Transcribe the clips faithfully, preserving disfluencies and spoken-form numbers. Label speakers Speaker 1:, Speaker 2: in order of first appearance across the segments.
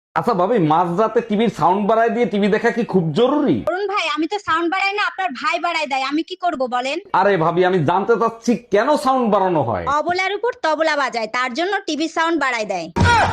Speaker 1: আচ্ছা ভাবি, মাঝরাতে টিভির সাউন্ড বাড়ায় দিয়ে টিভি দেখা কি খুব জরুরি?
Speaker 2: অরুণ ভাই, আমি তো সাউন্ড বাড়াই না, আপনার ভাই বাড়ায় দেয়। আমি কি করব বলেন?
Speaker 1: আরে ভাবি, আমি জানতে চাচ্ছি কেন সাউন্ড বাড়ানো হয়।
Speaker 2: অবলার উপর তবলা বাজায়, তার জন্য টিভি সাউন্ড বাড়ায় দেয়।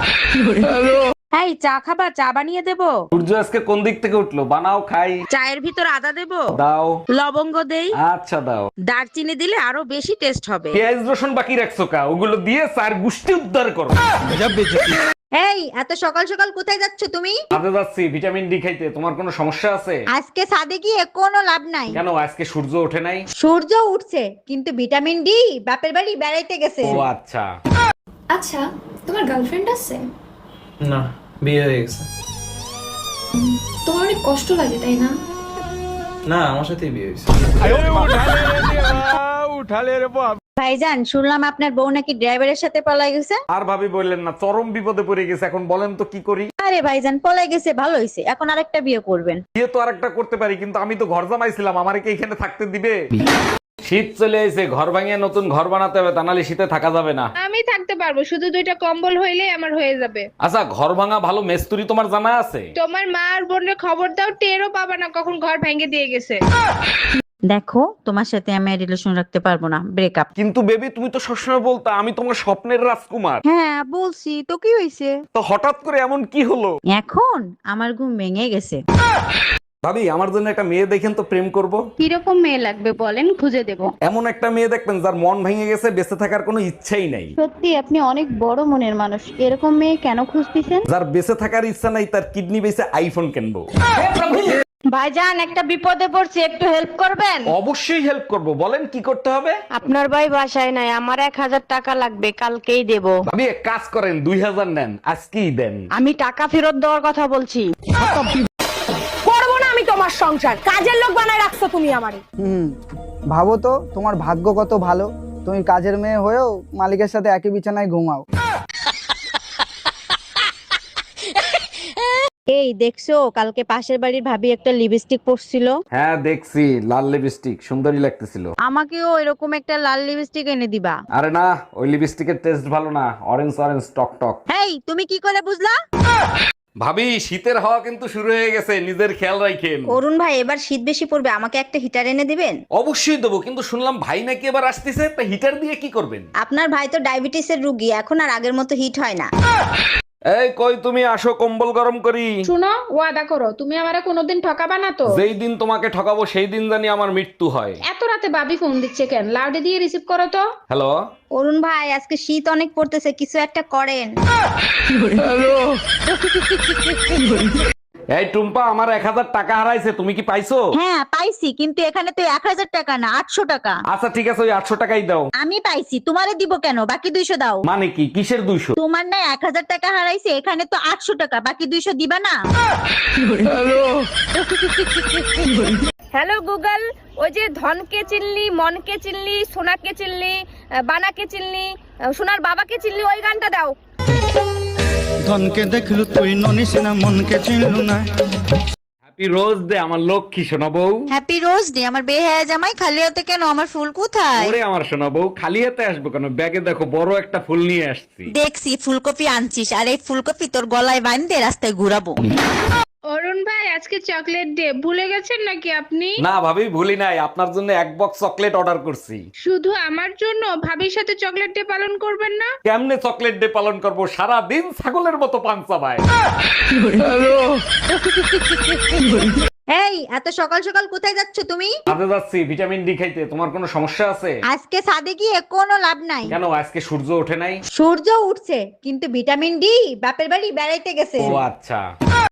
Speaker 3: এই চা খাবা? চা বানিয়ে দেবো?
Speaker 1: সূর্য আজকে কোন দিক থেকে উঠলো? বানাও খাই।
Speaker 3: চায়ের ভিতর আদা দেবো?
Speaker 1: দাও।
Speaker 3: লবঙ্গ দেই?
Speaker 1: আচ্ছা দাও।
Speaker 3: দারচিনি দিলে আরো বেশি টেস্ট হবে।
Speaker 1: পেঁয়াজ রসুন বাকি রাখছো কা? ওগুলো দিয়ে চার গুষ্টি উদ্ধার করো।
Speaker 2: এই এত সকাল সকাল কোথায় যাচ্ছ তুমি?
Speaker 1: কাজে যাচ্ছি ভিটামিন ডি খাইতে। তোমার কোনো সমস্যা আছে?
Speaker 2: আজকে সাদে গিয়ে কোনো লাভ নাই।
Speaker 1: কেন, আজকে সূর্য ওঠে নাই?
Speaker 2: সূর্য উঠছে, কিন্তু ভিটামিন ডি বাপের বাড়ি বেড়াইতে গেছে।
Speaker 1: ও আচ্ছা।
Speaker 4: আচ্ছা, তোমার গার্লফ্রেন্ড আছে?
Speaker 5: না, বিয়ে হয়ে গেছে।
Speaker 4: তোমার অনেক কষ্ট লাগে তাই না?
Speaker 5: না, আমার সাথেই বিয়ে হয়েছে।
Speaker 2: ভাইজান, শুনলাম আপনার বউ নাকি ড্রাইভারের সাথে পলাই গেছে।
Speaker 1: আর ভাবি বললেন না, চরম বিপদে পড়ে গেছে। এখন বলেন তো কি করি?
Speaker 2: আরে ভাইজান, পলাই গেছে ভালো হইছে, এখন আরেকটা বিয়ে করবেন।
Speaker 1: বিয়ে তো আরেকটা করতে পারি, কিন্তু আমি তো ঘর জামাইছিলাম, আমারে কি এখানে থাকতে দিবে? শীত চলে এসে, ঘর ভাঙিয়ে নতুন ঘর বানাতে হবে, তা নাহলে শীতে থাকা যাবে না।
Speaker 6: আমি থাকতে পারবো, শুধু দুইটা কম্বল হইলেই আমার হয়ে যাবে।
Speaker 1: আচ্ছা, ঘর ভাঙা ভালো মেস্তুরি তোমার জানা আছে?
Speaker 6: তোমার মা আর বোনের খবর দাও, টেরও পাবা না কখন ঘর ভেঙে দিয়ে গেছে।
Speaker 2: দেখো, তোমার সাথে আমি রিলেশন রাখতে পারবো না, ব্রেকআপ।
Speaker 1: কিন্তু বেবি, তুমি তো সবসময় বলতা আমি তোমার স্বপ্নের রাজকুমার।
Speaker 2: হ্যাঁ বলছি তো, কি হয়েছে?
Speaker 1: তো হঠাৎ করে এমন কি হলো?
Speaker 2: এখন আমার ঘুম ভেঙে গেছে।
Speaker 1: ভাবি, আমার জন্য একটা মেয়ে দেখেন তো, প্রেম করব।
Speaker 6: কিরকম মেয়ে লাগবে বলেন, খুঁজে দেব।
Speaker 1: এমন একটা মেয়ে দেখবেন যার মন ভেঙে গেছে, বেঁচে থাকার কোনো ইচ্ছাই নাই।
Speaker 6: সত্যি আপনি অনেক বড় মনের মানুষ, এরকম মেয়ে কেন খুঁজতেছেন?
Speaker 1: যার বেঁচে থাকার ইচ্ছা নাই, তার কিডনি বেঁচে আইফোন কিনবো।
Speaker 3: ভাইজান, একটা বিপদে পড়ছি, একটু হেল্প করবেন?
Speaker 1: অবশ্যই হেল্প করব, বলেন কি করতে হবে।
Speaker 3: আপনার ভাই বাসায় নাই, আমার এক হাজার টাকা লাগবে, কালকেই দেব।
Speaker 1: ভাবি, এক কাজ করেন, দুই হাজার নেন, আজকেই দেন।
Speaker 3: আমি টাকা ফেরত দেওয়ার কথা বলছি। করবো না আমি তোমার সংসার, কাজের লোক বানায় রাখছো তুমি আমারে।
Speaker 7: হুম, ভাবো তো তোমার ভাগ্য কত ভালো, তুমি কাজের মেয়ে হয়েও মালিকের সাথে একই বিছানায় ঘুমাও।
Speaker 2: এই দেখছো, কালকে পাশের বাড়ির ভাবি একটা লিপস্টিক পরছিল।
Speaker 1: হ্যাঁ দেখছি, লাল লিপস্টিক সুন্দরী লাগতেছিল।
Speaker 2: আমাকেও এরকম একটা লাল লিপস্টিক এনে দিবা।
Speaker 1: আরে না, ওই লিপস্টিকের টেস্ট ভালো না, অরেঞ্জ অরেঞ্জ টক টক।
Speaker 2: হেই, তুমি কি করে বুঝলা?
Speaker 1: ভাবি, শীতের হাওয়া কিন্তু শুরু হয়ে গেছে, নিজের খেয়াল রাখেন।
Speaker 2: অরুণ ভাই, এবার শীত বেশি পড়বে, আমাকে একটা হিটার এনে দিবেন?
Speaker 1: অবশ্যই দেবো, কিন্তু শুনলাম ভাই নাকি এবার আসতেছে, তা হিটার দিয়ে কি করবেন?
Speaker 2: আপনার ভাই তো ডায়াবেটিসের রোগী, এখন আর আগের মতো হিট হয় না।
Speaker 1: এই কই তুমি, আসো কম্বল গরম করি।
Speaker 6: শুনো, ওয়াদা করো তুমি আমারে কোনোদিন ঠকাবা না তো।
Speaker 1: যেই দিন তোমাকে ঠকাবো সেই দিন জানি আমার মৃত্যু হয়।
Speaker 6: এত রাতে বাবি ফোন দিচ্ছে কেন? লাউডে দিয়ে রিসিভ করো তো।
Speaker 1: হ্যালো।
Speaker 2: অরুণ ভাই, আজকে শীত অনেক পড়তেছে, কিছু একটা করেন।
Speaker 1: এই টুম্পা, আমার এক হাজার টাকা হারাইছে, তুমি কি পাইছো?
Speaker 2: হ্যাঁ পাইছি, কিন্তু এখানে তো এক হাজার টাকা না, আটশো টাকা।
Speaker 1: আচ্ছা ঠিক আছে, ওই আটশো টাকাই দাও।
Speaker 2: আমি পাইছি, তোমারে দিব কেন? বাকি দুইশো দাও।
Speaker 1: মানে কি, কিসের দুইশো?
Speaker 2: তোমার না এক হাজার টাকা হারাইছে, এখানে তো আটশো টাকা, বাকি দুইশো দিবা না?
Speaker 8: হ্যালো গুগল, ওই যে ধনকে চিনলি, মনকে চিনলি, সোনাকে চিনলি, আহ, বানাকে চিনলি, আহ, সোনার বাবাকে চিনলি, ওই গানটা দাও।
Speaker 9: ধনকে দেখলু তুই ননিস না, মনকে চিনলু না।
Speaker 1: হ্যাপি রোজ ডে আমার লক্ষ্মী সোনা বউ।
Speaker 2: হ্যাপি রোজ ডে আমার বেহায়া জামাই, খালি হাতে কেন? আমার ফুল কোথায়?
Speaker 1: ওরে আমার সোনা বউ, খালি হাতে আসবো কেন? ব্যাগে দেখো, বড় একটা ফুল নিয়ে আসছি।
Speaker 2: দেখছি ফুলকপি আনছিস, আর এই ফুলকপি তোর গলায় বাঁধতে রাস্তায় ঘুরাবো।
Speaker 6: অরুণ ভাই, আজকে চকলেট ডে, ভুলে গেছেন নাকি আপনি?
Speaker 1: না ভাবি, ভুলি নাই, আপনার জন্য এক বক্স চকলেট অর্ডার করছি।
Speaker 6: শুধু আমার জন্য? ভাবির সাথে চকলেট ডে পালন করবেন না?
Speaker 1: কেমনে চকলেট ডে পালন করব? সারা দিন ছাগলের মতো পান চাবায়।
Speaker 2: এই এত সকাল সকাল কোথায় যাচ্ছ তুমি?
Speaker 1: কাজে যাচ্ছি ভিটামিন ডি খাইতে। তোমার কোনো সমস্যা আছে?
Speaker 2: আজকে সাদে গিয়ে কোনো লাভ নাই।
Speaker 1: কেন, আজকে সূর্য ওঠে নাই?
Speaker 2: সূর্য উঠছে, কিন্তু ভিটামিন ডি বাপের বাড়ি বেড়াইতে গেছে।
Speaker 1: ও আচ্ছা।